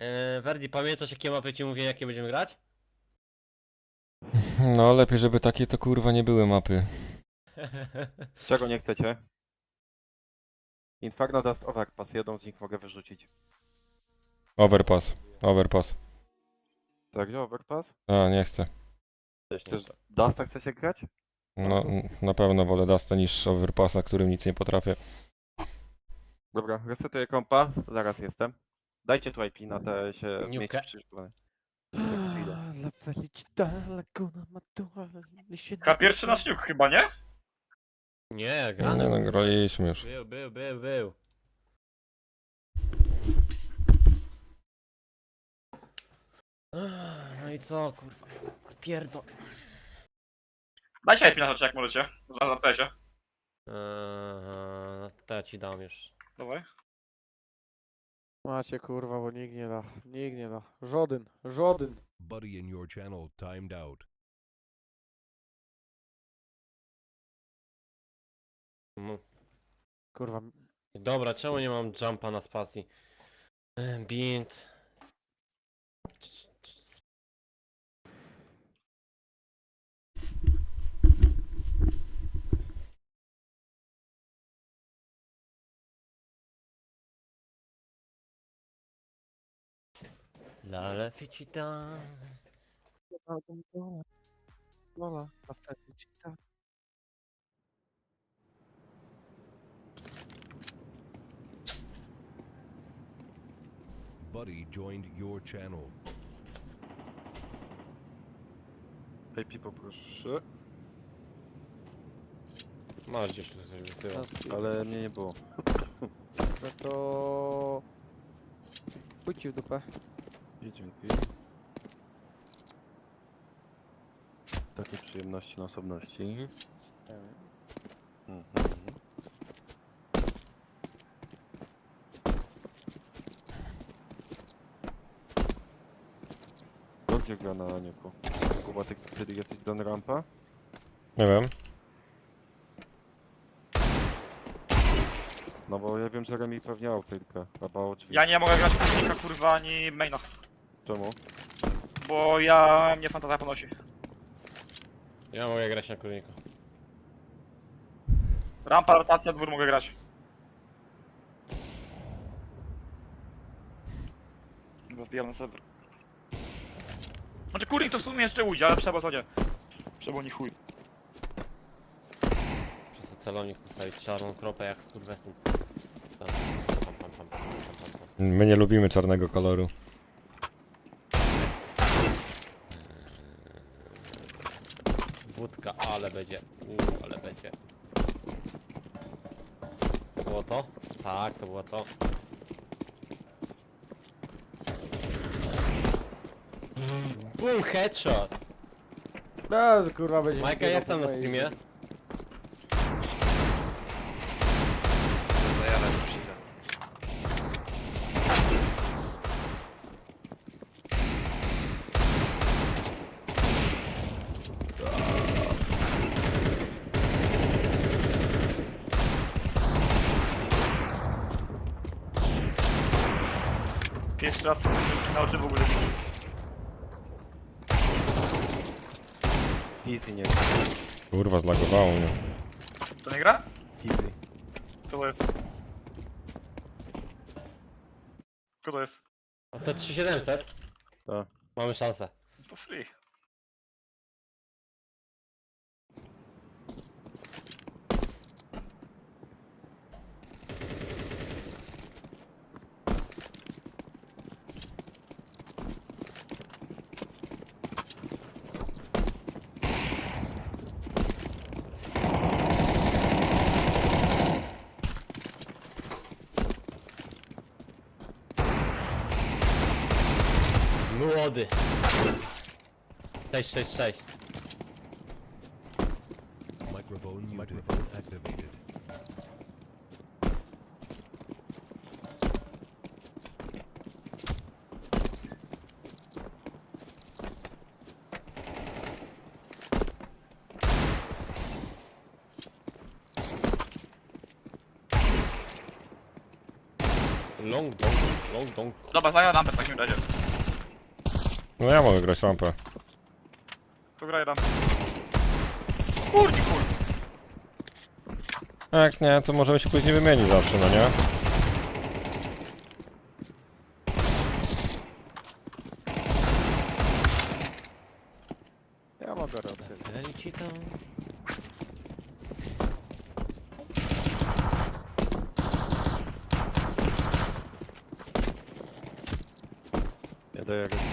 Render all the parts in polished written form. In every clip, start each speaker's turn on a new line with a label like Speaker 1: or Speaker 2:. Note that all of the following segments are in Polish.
Speaker 1: Verdi, pamiętasz jakie mapy ci mówię, jakie będziemy grać?
Speaker 2: No lepiej, żeby takie to kurwa nie były mapy.
Speaker 3: Czego nie chcecie? Inferno Dust Overpass, jedną z nich mogę wyrzucić.
Speaker 2: Overpass. Overpass.
Speaker 3: Tak, gdzie Overpass?
Speaker 2: A, nie chcę.
Speaker 1: Też nie
Speaker 3: Też
Speaker 1: chcę.
Speaker 3: z Dusta chcecie grać?
Speaker 2: No, na pewno wolę Dusta niż Overpassa, którym nic nie potrafię.
Speaker 3: Dobra, resetuję kompa, zaraz jestem. Dajcie tu IP na te się
Speaker 1: Niukę.
Speaker 3: miejsce przyszykwane.
Speaker 4: La felicità, laguna matura,
Speaker 5: Chyba pierwszy nasz niuk chyba, nie?
Speaker 1: Nie,
Speaker 2: Nie
Speaker 1: grany.
Speaker 2: no, graliśmy już.
Speaker 1: Był. No i co, kurwa? Pierdol.
Speaker 5: Dajcie IP na rzeczy jak możecie. Na tezie.
Speaker 1: To ja ci dam już.
Speaker 5: Dawaj.
Speaker 4: Macie kurwa, bo nikt nie da. Nikt nie da. Żaden.
Speaker 6: Buddy in your channel timed out.
Speaker 4: Kurwa.
Speaker 1: Dobra, czemu nie mam jumpa na spacji? Bind. La felicità.
Speaker 4: La felicità.
Speaker 6: Buddy joined your channel.
Speaker 3: IP poproszę,
Speaker 1: Masz gdzieś tu coś wysyła.
Speaker 3: ale mnie nie było.
Speaker 4: No to... Pójdź ci w dupę.
Speaker 3: I dzięki. Takiej przyjemności na osobności. Mhm. To gdzie gra na Aniuku? Kuba, ty kiedy jesteś Don Rampa?
Speaker 2: Nie wiem.
Speaker 3: No bo ja wiem, że Remi pewnie outside'ka, albo drzwi.
Speaker 5: Ja nie mogę grać kurnika kurwa ani maina.
Speaker 3: Czemu?
Speaker 5: Bo ja mnie fantazja ponosi.
Speaker 1: Ja mogę grać na kurniku.
Speaker 5: Rampa, rotacja, dwór mogę grać. Chyba wbijam na serwer. Znaczy kurnik to w sumie jeszcze ujdzie, ale przebo to nie. Przebo nie chuj.
Speaker 1: Przez to celonik postawić czarną kropę jak skurwesyn.
Speaker 2: My nie lubimy czarnego koloru.
Speaker 1: Wódka, ale będzie. Ale będzie. To było to? Tak, to było to. Boom, headshot!
Speaker 4: No kurwa będzie...
Speaker 1: Majka, jak tam na streamie?
Speaker 5: Pierwszy raz na oczy w ogóle.
Speaker 3: Easy nie
Speaker 2: Kurwa, zlagowało mnie.
Speaker 5: To nie gra?
Speaker 3: Easy.
Speaker 5: Kto to jest? Kto to jest?
Speaker 1: A to 3700?
Speaker 3: Tak.
Speaker 1: Mamy szansę.
Speaker 5: To free.
Speaker 1: Młody. 666.
Speaker 6: Microphone activated.
Speaker 1: long, long.
Speaker 5: Dobra, zagraj rampę w takim razie.
Speaker 2: No ja mogę grać rampę.
Speaker 5: Tu graj rampę. Kurki, kur.
Speaker 2: Jak nie, to możemy się później wymienić zawsze, no nie?
Speaker 4: Ja mogę robić.
Speaker 1: Leci tam.
Speaker 3: Nie daję go.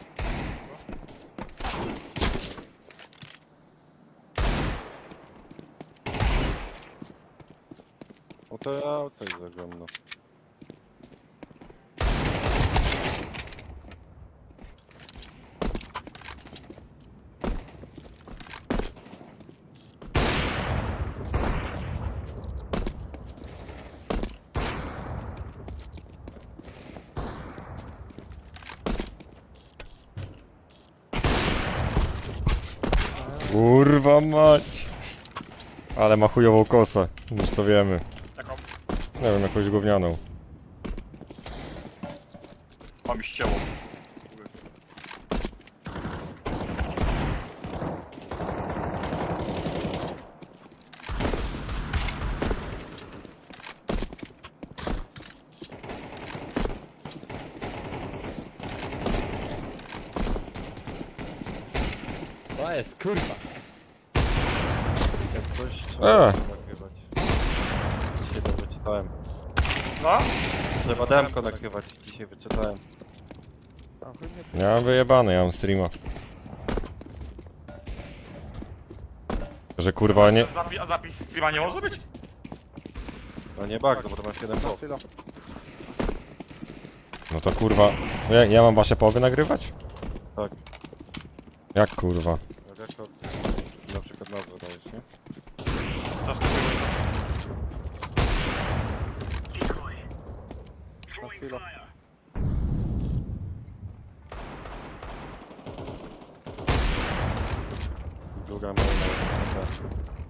Speaker 3: O to ja coś zagram, no.
Speaker 2: Kurwa mać! Ale ma chujową kosę, już to wiemy.
Speaker 5: Taką.
Speaker 2: Nie wiem, jakąś gównianą.
Speaker 5: O, mi ścięło.
Speaker 1: To jest kurwa.
Speaker 3: Jak coś trzeba
Speaker 2: A.
Speaker 3: nagrywać. Dzisiaj to wyczytałem.
Speaker 5: No?
Speaker 3: Trzeba demko nagrywać, dzisiaj wyczytałem.
Speaker 4: Tam chuj mnie tu.
Speaker 2: Ja mam wyjebane, ja mam streama. Że kurwa nie...
Speaker 5: A zapis streama nie może być?
Speaker 3: No nie bardzo, bo to masz 7
Speaker 4: Na
Speaker 3: blok.
Speaker 4: silo.
Speaker 2: No to kurwa... Ja mam wasze połowy nagrywać?
Speaker 3: Tak.
Speaker 2: Jak kurwa?
Speaker 3: Rekord. Na przykład nazwę dajesz, nie?
Speaker 5: Strasznie
Speaker 4: Na silo.
Speaker 3: Druga maina.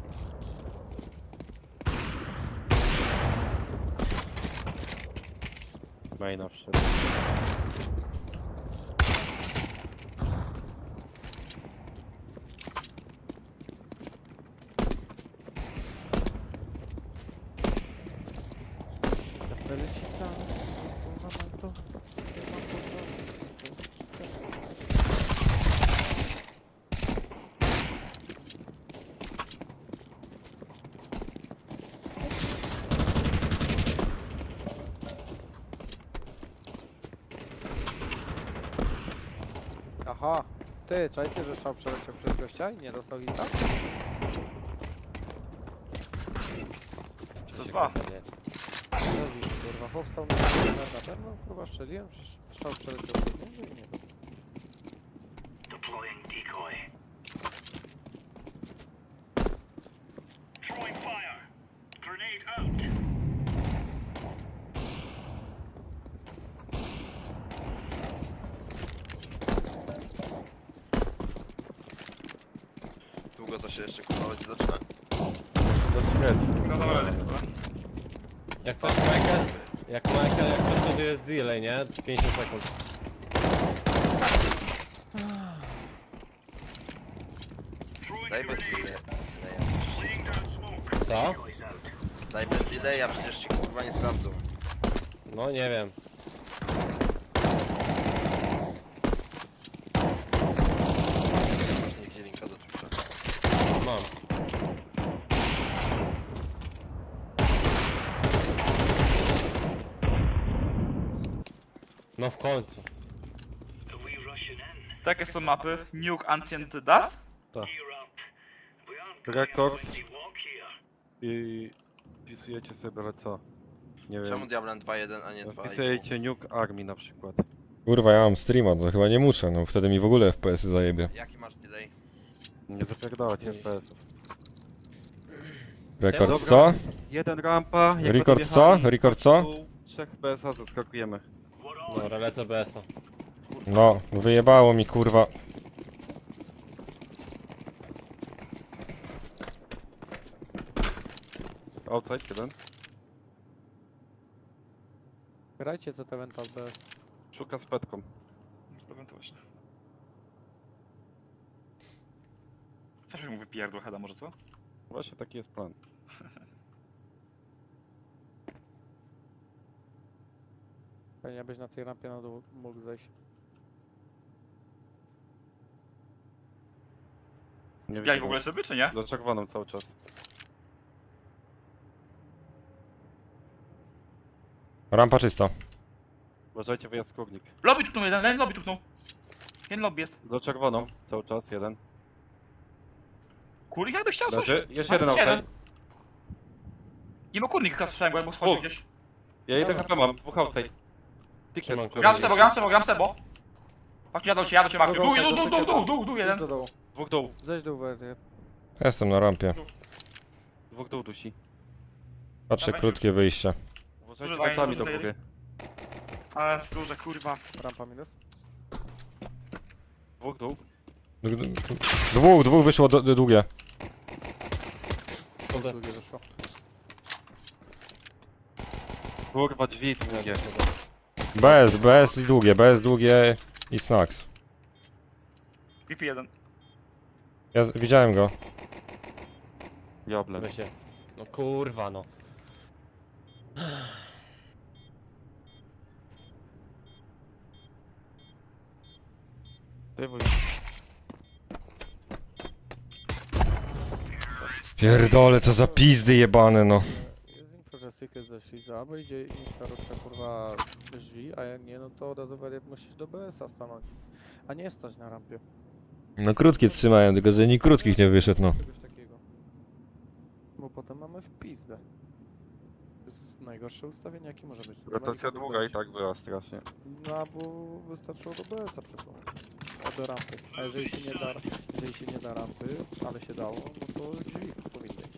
Speaker 3: Maina wszedł.
Speaker 4: Leci tam. Kurwa, mam to. Aha. Ty, czajcie, że szał przeleciał przez gościa i nie dostał hita?
Speaker 5: Co dwa?
Speaker 4: Rozumiem, kurwa, chłop stał na pewno, kurwa, strzeliłem, przecież strzał przeleciał przez niego i nie dostał.
Speaker 7: Długo to się jeszcze kupować zaczyna.
Speaker 5: No dobra, dobra.
Speaker 1: Jak coś Michael? Jak coś to jest delay, nie? 50 sekund.
Speaker 7: Daj bez delaya.
Speaker 1: Co?
Speaker 7: Daj bez delaya, przecież się kurwa nie sprawdzą.
Speaker 1: No nie wiem.
Speaker 7: Masz nigdzie linka do Twitcha.
Speaker 1: Mam. No w końcu.
Speaker 5: Takie są mapy. Nuke Ancient Dust?
Speaker 3: Rekord. I wpisujecie sobie byle co. Nie wiem.
Speaker 7: Czemu Diablen 2.1, a nie 2.5?
Speaker 3: Wpisujecie Nuke Army na przykład.
Speaker 2: Kurwa, ja mam streama, to chyba nie muszę, no wtedy mi w ogóle FPS-y zajebie.
Speaker 7: Jaki masz delay?
Speaker 3: Nie zapierdalać FPS-ów.
Speaker 2: Rekord
Speaker 3: Dobra.
Speaker 2: co?
Speaker 3: Jeden rampa. jak
Speaker 2: Rekord
Speaker 3: będą
Speaker 2: co?
Speaker 3: jechali,
Speaker 2: Rekord
Speaker 3: skok
Speaker 2: co?
Speaker 3: w dół, 3 FPS-a zaskakujemy.
Speaker 1: Dobra, lecę BS-a.
Speaker 2: No, wyjebało mi kurwa.
Speaker 3: Outside jeden.
Speaker 4: Grajcie co Mental BS.
Speaker 3: Szuka z petką.
Speaker 5: Zdobyłem to właśnie. Też mu wypierdło heada może, co?
Speaker 3: Właśnie taki jest plan.
Speaker 4: Fajnie byś na tej rampie na dół mógł zejść.
Speaker 3: Nie
Speaker 5: Wbijali w
Speaker 3: widzę
Speaker 5: ogóle
Speaker 3: go.
Speaker 5: szyby, czy nie?
Speaker 3: Za czerwoną cały czas.
Speaker 2: Rampa czysta.
Speaker 3: Uważajcie, wyjazd kurnik.
Speaker 5: Lobby tupnął jeden lobby tupnął. Jeden lobby jest.
Speaker 3: Za czerwoną cały czas, jeden.
Speaker 5: Kurnik jakbyś chciał coś.
Speaker 3: Leży. Jeszcze
Speaker 5: Ma
Speaker 3: jeden
Speaker 5: jeden.
Speaker 3: outside.
Speaker 5: Nie ma kurnik chyba słyszałem, bo schodził
Speaker 3: Dwóch.
Speaker 5: gdzieś.
Speaker 3: Ja jeden HP mam, dwóch outside.
Speaker 1: Trzymam
Speaker 3: Ticket.
Speaker 5: Gram sebo. Patrz, jadą cię, Marku. Dół, jeden.
Speaker 4: Idź do dołu.
Speaker 3: Dwóch dół.
Speaker 4: Zejdź do UWR.
Speaker 2: Jestem na rampie.
Speaker 3: Dwóch dół dusi.
Speaker 2: Patrzę,
Speaker 5: Dawaj,
Speaker 2: krótkie wyjście.
Speaker 3: Uważajcie
Speaker 5: Używaj,
Speaker 3: wentami do
Speaker 5: używaj.
Speaker 3: góry.
Speaker 5: Ale jest duże, kurwa.
Speaker 4: Rampa minus.
Speaker 3: Dwóch dół.
Speaker 2: Dwóch wyszło długie.
Speaker 4: Drugie wyszło.
Speaker 3: Kurwa, drzwi długie.
Speaker 2: BS długie i snacks.
Speaker 5: PP1.
Speaker 2: Ja widziałem go.
Speaker 3: Diable.
Speaker 1: Weź się. No kurwa no.
Speaker 3: Ty wuj.
Speaker 2: Pierdole, co za pizdy jebane, no.
Speaker 4: Jest info, że Secret zeszli za, albo idzie instalacja kurwa drzwi, a jak nie, no to od razu wariat musisz do BS-a stanąć. A nie stać na rampie.
Speaker 2: No krótkie trzymają, tylko że nikt krótkich nie wyszedł, no.
Speaker 4: Czegoś takiego. Bo potem mamy w pizdę. To jest najgorsze ustawienie jakie może być.
Speaker 3: Rotacja długa i tak była strasznie.
Speaker 4: No, bo wystarczyło do BS-a przesunąć. A do rampy. A jeżeli się nie da rampy, ale się dało, no to drzwi powinny iść.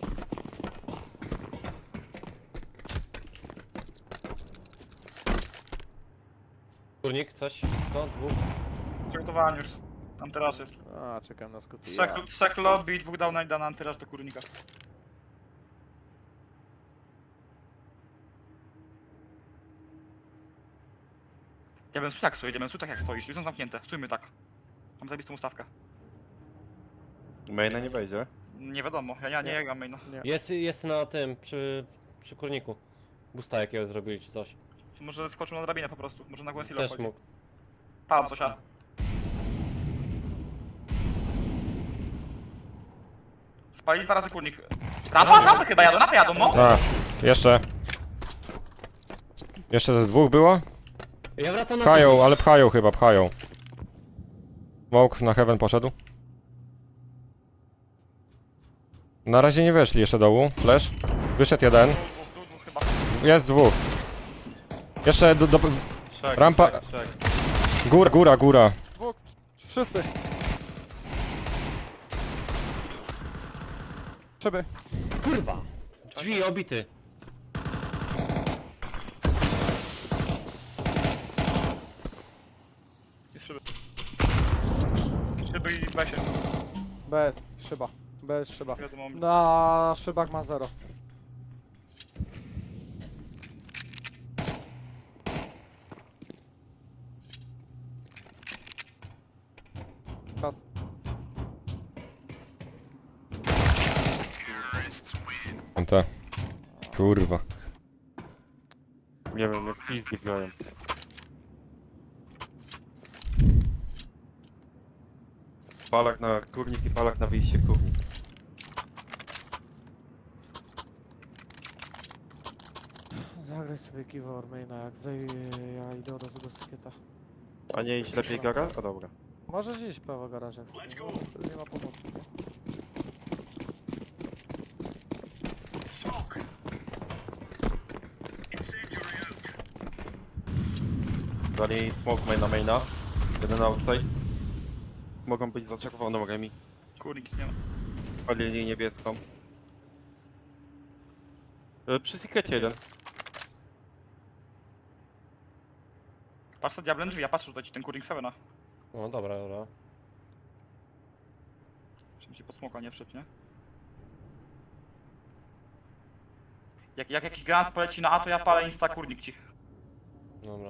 Speaker 1: Kurnik, coś? Skąd? Dwóch?
Speaker 5: Przygotowałem już. Tam teraz jest.
Speaker 4: A, czekam na skuty.
Speaker 5: Trzech lobby i dwóch dał na antyraż do kurnika. Ja bym tak stoi, jak stoisz. Już są zamknięte. Stójmy tak. Mam zajebistą ustawkę.
Speaker 3: Maina nie wejdzie.
Speaker 5: Nie wiadomo, ja nie gram maina.
Speaker 1: Jest na tym, przy kurniku. Busta jakiego zrobili czy coś.
Speaker 5: Może wskoczył na drabinę po prostu. Może na Gwensilo
Speaker 1: Też
Speaker 5: wchodzi.
Speaker 1: mógł.
Speaker 5: Palam coś, a. Spalili 2 razy kurnik. Napę chyba jadą, no.
Speaker 2: A, jeszcze. Jeszcze ze dwóch było?
Speaker 1: Ja wracam na
Speaker 2: Pchają, ale pchają chyba, pchają. Smoke na heaven poszedł. Na razie nie weszli jeszcze dołu. Flash. Wyszedł jeden.
Speaker 5: Dwóch chyba.
Speaker 2: Jest dwóch. Jeszcze
Speaker 3: Trzech,
Speaker 2: Rampa-
Speaker 3: trzech.
Speaker 2: góra.
Speaker 4: Dwóch, wszyscy! Szyby.
Speaker 1: Kurwa! Drzwi obity.
Speaker 5: Jest szyby. Szyby i besie.
Speaker 4: BS, szyba. BS, szyba.
Speaker 5: Wiedzą, mam.
Speaker 4: Na szybach ma 0. Pas.
Speaker 2: Te. Kurwa.
Speaker 3: Nie wiem, mnie pizdy grają. Palak na kurnik i palak na wyjście kurnik.
Speaker 4: Zagraj sobie Keyboard maina, jak ja idę od razu do Sykieta.
Speaker 3: A nie iść lepiej gara? A dobra.
Speaker 4: Możesz iść prawo garażem, wtedy nie ma pomocy.
Speaker 3: Dali smoke maina. Jeden outside. Mogą być za czerwoną remi.
Speaker 5: Kurnik nie ma.
Speaker 3: Palili niebieską. Przy secrecie jeden.
Speaker 5: Patrz na diablem drzwi, ja patrzę tutaj ci ten kurnik 7.
Speaker 1: No dobra.
Speaker 5: Żeby ci pod smoka nie wszedł, nie? Jak jakiś granat poleci na A, to ja palę insta kurnik ci.
Speaker 1: Dobra.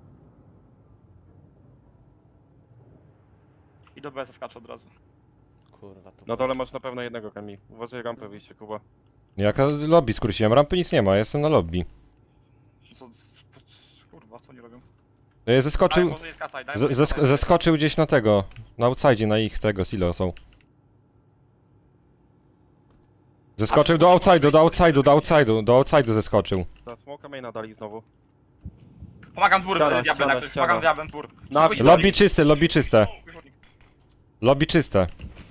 Speaker 5: I do BS skaczę od razu.
Speaker 1: Kurwa, to...
Speaker 3: Na dole masz na pewno jednego Kamil. Uważaj rampę wyjście, Kuba.
Speaker 2: Jaka lobby skróciłem? Rampy nic nie ma, jestem na lobby.
Speaker 5: Kurwa, co oni robią?
Speaker 2: Daj,
Speaker 5: Daj,
Speaker 2: zeskoczył...
Speaker 5: może jest kasa, daj, może jest kasa.
Speaker 2: Zeskoczył gdzieś na tego, na outside, na ich tego silo są. Zeskoczył do outside'u zeskoczył.
Speaker 3: Ta smoka maina dali znowu.
Speaker 5: Pomagam dwór,
Speaker 3: Ściana,
Speaker 5: diabłem,
Speaker 3: ściana,
Speaker 5: jak coś,
Speaker 3: ściana.
Speaker 5: pomagam diabłem, dwór.
Speaker 3: Na
Speaker 5: Spójrz,
Speaker 2: Lobby czyste, lobby czyste. Lobby czyste.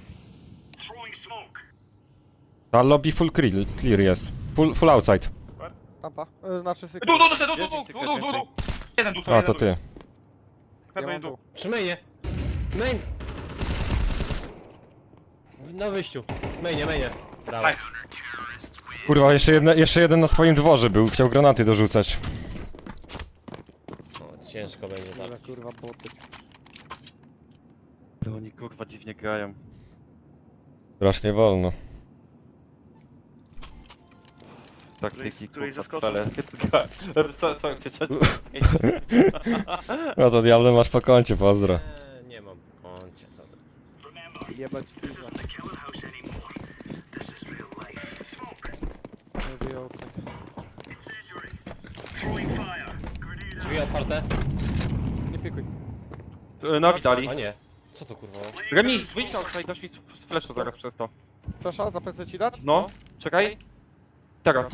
Speaker 2: Ta lobby full clear jest. Full outside.
Speaker 4: Rampa. Znaczy syk.
Speaker 5: Du. Jeden tu,
Speaker 2: A, to ty.
Speaker 4: Ja mam
Speaker 5: tu.
Speaker 4: tu.
Speaker 1: Przy mainie! Main! Na wyjściu. Mainie. Brawo.
Speaker 5: Nice.
Speaker 2: Kurwa, jeszcze jeden na swoim dworze był, chciał granaty dorzucać.
Speaker 1: No, ciężko będzie tak.
Speaker 4: Ale kurwa boty.
Speaker 3: Ale oni kurwa dziwnie grają.
Speaker 2: Strasznie wolno.
Speaker 3: Taktyki,
Speaker 5: któryś
Speaker 3: kurwa,
Speaker 5: zaskoczył.
Speaker 3: cele. Co chcecie?
Speaker 2: No to diable masz po koncie, pozdro.
Speaker 1: Nie mam koncie, co ty.
Speaker 4: Jebać pizza. Nie wyjął co.
Speaker 1: Drzwi otwarte?
Speaker 4: Nie pikuj.
Speaker 3: Nawi dali.
Speaker 1: O nie. Co to kurwa?
Speaker 3: Remi, wyjdź outside, dasz mi z flashu zaraz przez to.
Speaker 4: Sasza, za PC ci dać?
Speaker 3: No, czekaj. Teraz.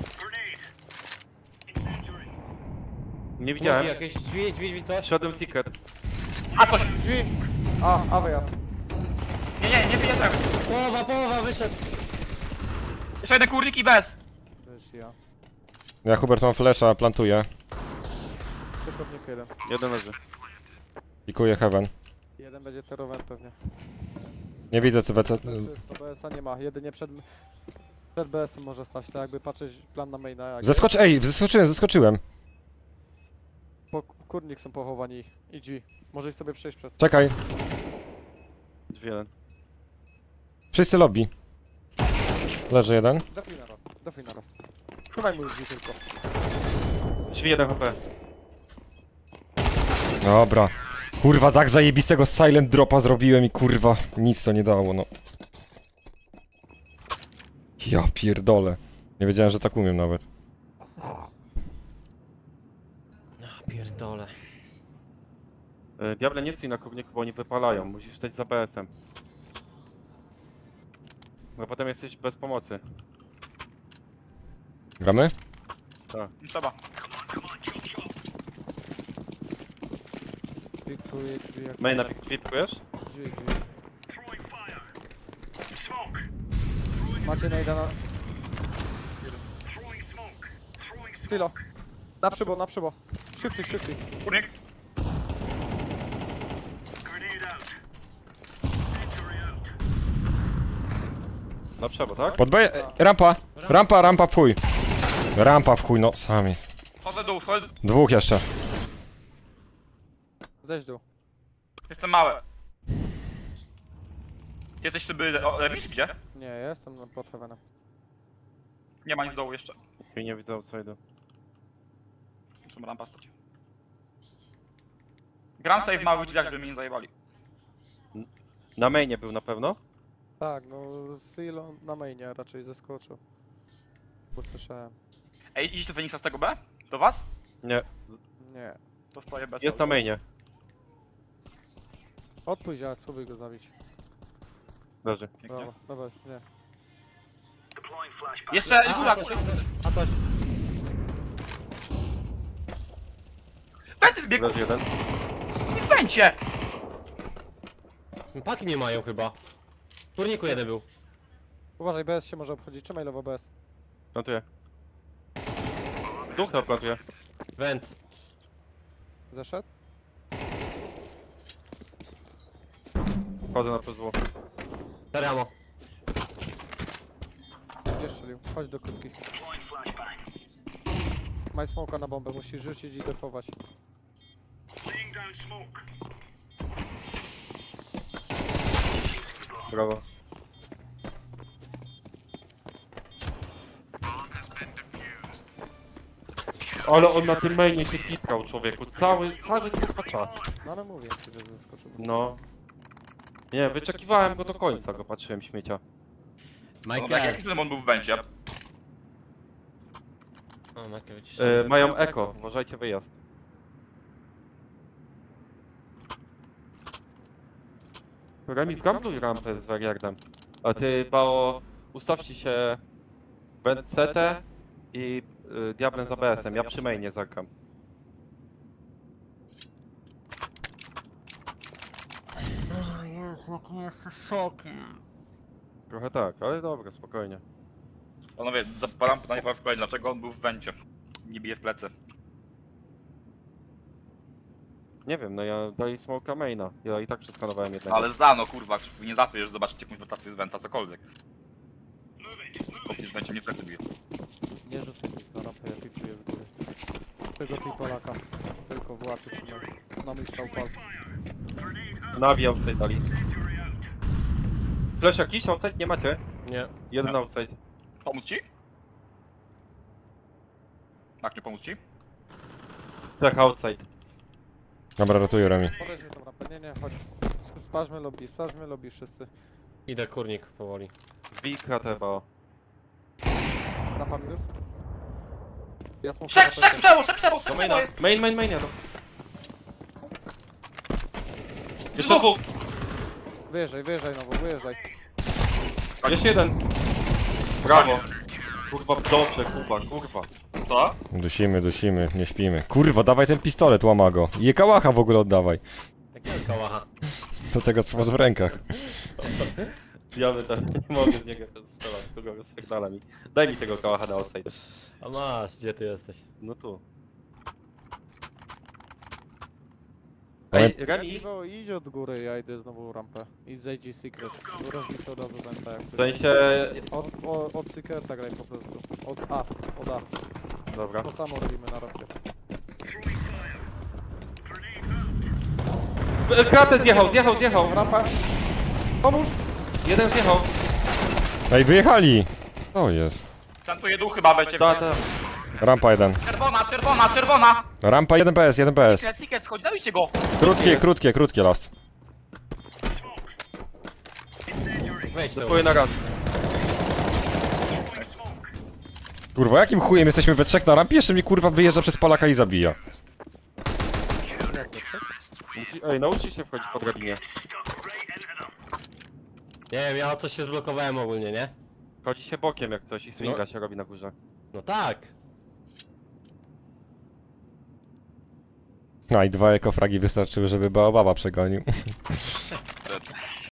Speaker 3: Nie widziałem.
Speaker 1: Jakieś drzwi, coś?
Speaker 3: Szedłem secret.
Speaker 5: A coś!
Speaker 4: Drzwi! A wyjazd.
Speaker 5: Nie wyjeżdżam.
Speaker 1: Połowa, wyszedł!
Speaker 5: Jeszcze jeden kurnik i bez.
Speaker 4: Wiesz ja.
Speaker 2: Ja Hubert mam flesza, plantuję.
Speaker 4: Tylko jeden.
Speaker 3: Jeden leży.
Speaker 2: Pikuję heaven.
Speaker 4: Jeden będzie terowany pewnie.
Speaker 2: Nie widzę co BC.
Speaker 4: Czysto, BS-a nie ma. Jedynie przed BS-em może stać, tak jakby patrzeć plan na maina. Jak
Speaker 2: Zeskoczyłem.
Speaker 4: Kurnik są pochowani i drzwi. Może ich sobie przejść przez.
Speaker 2: Czekaj.
Speaker 3: Drzwi jeden.
Speaker 2: Wszyscy lobby. Leży jeden.
Speaker 4: Defuj na raz. Chowaj mu drzwi tylko.
Speaker 3: Drzwi jeden HP.
Speaker 2: Dobra. Kurwa, tak zajebistego silent dropa zrobiłem i kurwa, nic to nie dało, no. Ja pierdolę. Nie wiedziałem, że tak umiem nawet.
Speaker 1: Pierdolę.
Speaker 3: Diable nie stój na kurniku, bo oni wypalają. Musisz stać za BS-em. No potem jesteś bez pomocy.
Speaker 2: Gramy?
Speaker 5: Trzeba.
Speaker 4: Pikuję drzwi jak
Speaker 3: Maina pikujesz?
Speaker 4: drzwi. Macie najda na... Tylo. Na przybo. Shifty.
Speaker 5: Kurnik.
Speaker 3: Na przebo, tak?
Speaker 2: Pod B... Rampa w chuj. Rampa w chuj, no sam jest.
Speaker 5: Schodzę dół, schodzę.
Speaker 2: Dwóch jeszcze.
Speaker 4: Zejdź dół.
Speaker 5: Jestem mały. Jesteś szyby remis, gdzie?
Speaker 4: Nie, jestem pod heavenem.
Speaker 5: Nie ma nic z dołu jeszcze.
Speaker 3: I nie widzę outside'u.
Speaker 5: Muszę rampa stać. Gram sobie w małych drzwiach, żeby mnie nie zajebali.
Speaker 3: Na mainie był na pewno?
Speaker 4: Tak, no Silo na mainie raczej zeskoczył. Bo słyszałem.
Speaker 5: Ej, idziesz do Feniksa z tego B? Do was?
Speaker 3: Nie.
Speaker 4: Nie.
Speaker 5: To stoję bez.
Speaker 3: Jest na mainie.
Speaker 4: Odpójdź, ale spróbuj go zabić.
Speaker 3: Leży.
Speaker 5: Pięknie.
Speaker 4: Dobra, nie.
Speaker 5: Jeszcze góra,
Speaker 1: A to...
Speaker 5: Będę zbiegł,
Speaker 3: Leży jeden.
Speaker 5: nie stańcie!
Speaker 1: Paki nie mają chyba. W turniku jeden był.
Speaker 4: Uważaj, BS się może obchodzić. Trzymaj lewo BS.
Speaker 3: Plantuję. Duch tam plantuje.
Speaker 1: Vent.
Speaker 4: Zeszedł?
Speaker 3: Wchodzę na PSW.
Speaker 1: Teramo.
Speaker 4: Gdzie strzelił? Chodź do krótkich. Maj smoka na bombę, musisz rzucić i defować.
Speaker 3: Brawo. Ale on na tym mainie się kitrał, człowieku. Cały kurwa czas.
Speaker 4: No ale mówię ci, że zaskoczył.
Speaker 3: No. Nie, wyczekiwałem go do końca, go patrzyłem śmiecia.
Speaker 5: No, jak
Speaker 1: Michael.
Speaker 5: jaki on był w wencie?
Speaker 1: O, Michael wyciszony.
Speaker 3: Mają eko, uważajcie wyjazd. Remis, gambluj rampę z Wariardem. A ty, Bao, ustawcie się w CT i Diablem za BS-em. Ja przy mainie zagram. Trochę tak, ale dobra, spokojnie.
Speaker 5: Panowie, zapalam pytanie po raz kolejny, dlaczego on był w wencie? Nie bije w plecy.
Speaker 3: Nie wiem, no ja dali smoka maina. Ja i tak przeskanowałem jednego.
Speaker 5: Ale zano, kurwa, nie zapysz, zobaczycie jakąś rotację z wenta, cokolwiek. Oprócz będzie mnie w plecy bije.
Speaker 4: Nie rzucaj nic na rampę, ja pikuję w górę. Tego tej Polaka. Tylko w łapie trzymaj. Na mój strzał pal.
Speaker 3: Nawi outside dali. Flash jakiś outside? Nie macie?
Speaker 1: Nie.
Speaker 3: Jeden outside.
Speaker 5: Pomóc ci? Tak, nie pomóc ci?
Speaker 3: Tak, outside.
Speaker 2: Dobra, ratuję Remi.
Speaker 4: Podejdźmy tą rampę, nie, chodź. Sprawdźmy lobby wszyscy.
Speaker 1: Idę kurnik powoli.
Speaker 3: Zbij kratę, Bao.
Speaker 4: Rampa minus. Ja smuszę
Speaker 5: Szek
Speaker 3: Do maina. Main, jadą. Jeszcze dwóch.
Speaker 4: Wyjeżdżaj znowu, wyjeżdżaj.
Speaker 3: Jeszcze jeden. Brawo. Kurwa, dobrze, kurwa.
Speaker 5: Co?
Speaker 2: Dusimy, nie śpimy. Kurwa, dawaj ten pistolet, łama go. I kałacha w ogóle oddawaj.
Speaker 1: Takiego kałacha.
Speaker 2: Do tego, co masz w rękach.
Speaker 3: Ja nie mogę z niego strzelać, kogo rozpierdala mi. Daj mi tego kałacha na outside.
Speaker 1: A masz, gdzie ty jesteś?
Speaker 3: No tu.
Speaker 2: Ale-
Speaker 3: Ej, Remi,
Speaker 4: Iwo, idź od góry, ja idę znowu rampę. I zejdź secret. Rozbić od razu wenta jak
Speaker 3: w sensie...
Speaker 4: Od secreta graj po prostu. Od A.
Speaker 3: Dobra.
Speaker 4: To samo robimy na rampie.
Speaker 3: Kratę zjechał.
Speaker 4: Rampa! Pomóż!
Speaker 3: Jeden zjechał.
Speaker 2: Ej, wyjechali! O jest.
Speaker 5: Plantuję dół chyba, będzie.
Speaker 3: Ta.
Speaker 2: Rampa 1.
Speaker 5: Czerwona!
Speaker 2: Rampa 1 PS, 1 PS.
Speaker 5: Secret, schodź, zabijcie go!
Speaker 2: Krótkie last.
Speaker 1: Wejdź tu.
Speaker 3: Dziękuję na raz.
Speaker 2: Kurwa, jakim chujem jesteśmy we trzech na rampie? Jeszcze mnie kurwa wyjeżdża przez Polaka i zabija.
Speaker 3: Ej, nauczcie się wchodzić po drabinie.
Speaker 1: Nie wiem, ja o coś się zblokowałem ogólnie, nie?
Speaker 3: Chodzi się bokiem jak coś i swinga się robi na górze.
Speaker 1: No tak.
Speaker 2: No i 2 ekofragi wystarczyły, żeby Baobaba przegonił.